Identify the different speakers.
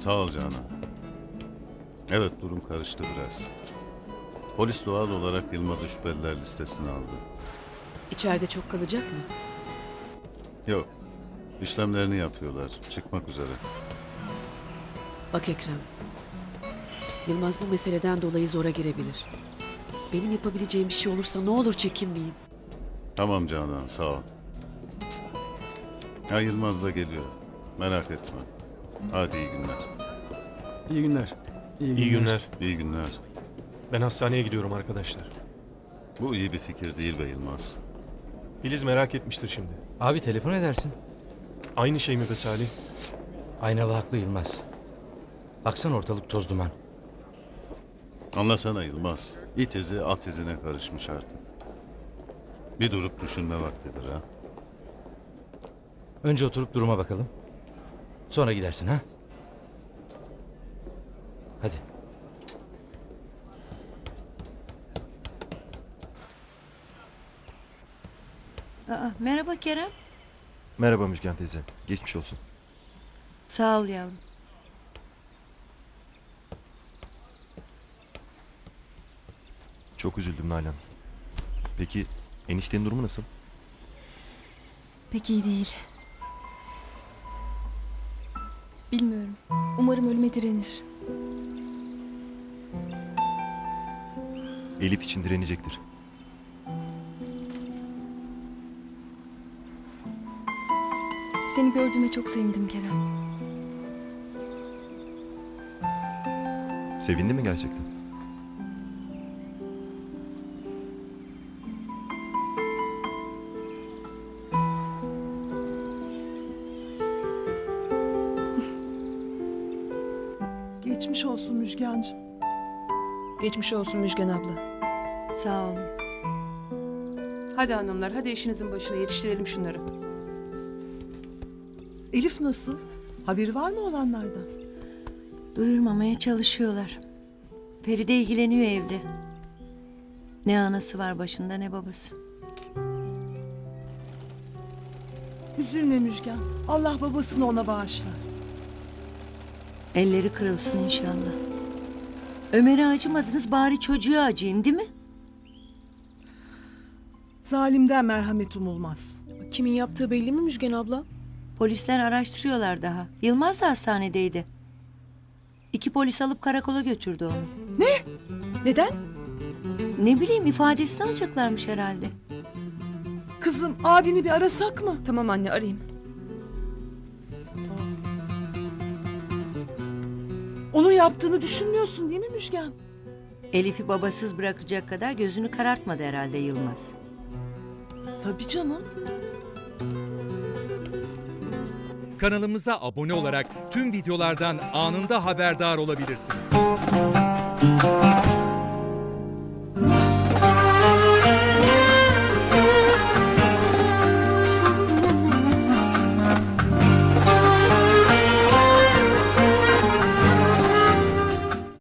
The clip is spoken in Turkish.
Speaker 1: Sağ ol Canan. Evet, durum karıştı biraz. Polis doğal olarak Yılmaz'ı şüpheliler listesine aldı.
Speaker 2: İçeride çok kalacak mı?
Speaker 1: Yok, işlemlerini yapıyorlar. Çıkmak üzere.
Speaker 2: Bak Ekrem. Yılmaz bu meseleden dolayı zora girebilir. Benim yapabileceğim bir şey olursa ne olur çekinmeyin.
Speaker 1: Tamam Canan, sağ ol. Ya Yılmaz da geliyor. Merak etme. Hadi iyi günler.
Speaker 3: İyi günler.
Speaker 4: İyi günler.
Speaker 1: İyi günler.
Speaker 4: Ben hastaneye gidiyorum arkadaşlar.
Speaker 1: Bu iyi bir fikir değil be Yılmaz.
Speaker 4: Filiz merak etmiştir şimdi.
Speaker 3: Abi telefon edersin.
Speaker 4: Aynı şey mi be Salih?
Speaker 3: Aynalı haklı Yılmaz. Baksana ortalık toz duman.
Speaker 1: Anlasana Yılmaz. İt izi at izine karışmış artık. Bir durup düşünme vaktidir ha.
Speaker 3: Önce oturup duruma bakalım. Sonra gidersin ha. Hadi.
Speaker 5: Merhaba Kerem.
Speaker 6: Merhaba Müjgan teyze. Geçmiş olsun.
Speaker 5: Sağ ol yavrum.
Speaker 6: Çok üzüldüm Nalan. Peki eniştenin durumu nasıl?
Speaker 7: Pek iyi değil. Bilmiyorum. Umarım ölüme direnir.
Speaker 6: Elif için direnecektir.
Speaker 7: Seni gördüğüme çok sevindim Kerem.
Speaker 6: Sevindi mi gerçekten?
Speaker 8: Geçmiş olsun Müjgancığım.
Speaker 2: Geçmiş olsun Müjgan abla.
Speaker 5: Sağ olun.
Speaker 2: Hadi hanımlar, hadi işinizin başına yetiştirelim şunları.
Speaker 8: Elif nasıl? Haberi var mı olanlardan?
Speaker 5: Duyurmamaya çalışıyorlar. Feride ilgileniyor evde. Ne anası var başında ne babası.
Speaker 8: Üzülme Müjgan. Allah babasını ona bağışlar.
Speaker 5: Elleri kırılsın inşallah. Ömer'e acımadınız bari çocuğa acıyın değil mi?
Speaker 8: Zalimden merhamet umulmaz.
Speaker 2: Kimin yaptığı belli mi Müjgan abla?
Speaker 5: Polisler araştırıyorlar daha. Yılmaz da hastanedeydi. 2 polis alıp karakola götürdü onu.
Speaker 2: Neden?
Speaker 5: Ne bileyim ifadesini alacaklarmış herhalde.
Speaker 8: Kızım abini bir arasak mı?
Speaker 2: Tamam anne, arayayım.
Speaker 8: Onun yaptığını düşünmüyorsun değil mi Müjgan?
Speaker 5: Elif'i babasız bırakacak kadar gözünü karartmadı herhalde Yılmaz.
Speaker 8: Tabii canım.
Speaker 9: Kanalımıza abone olarak tüm videolardan anında haberdar olabilirsiniz.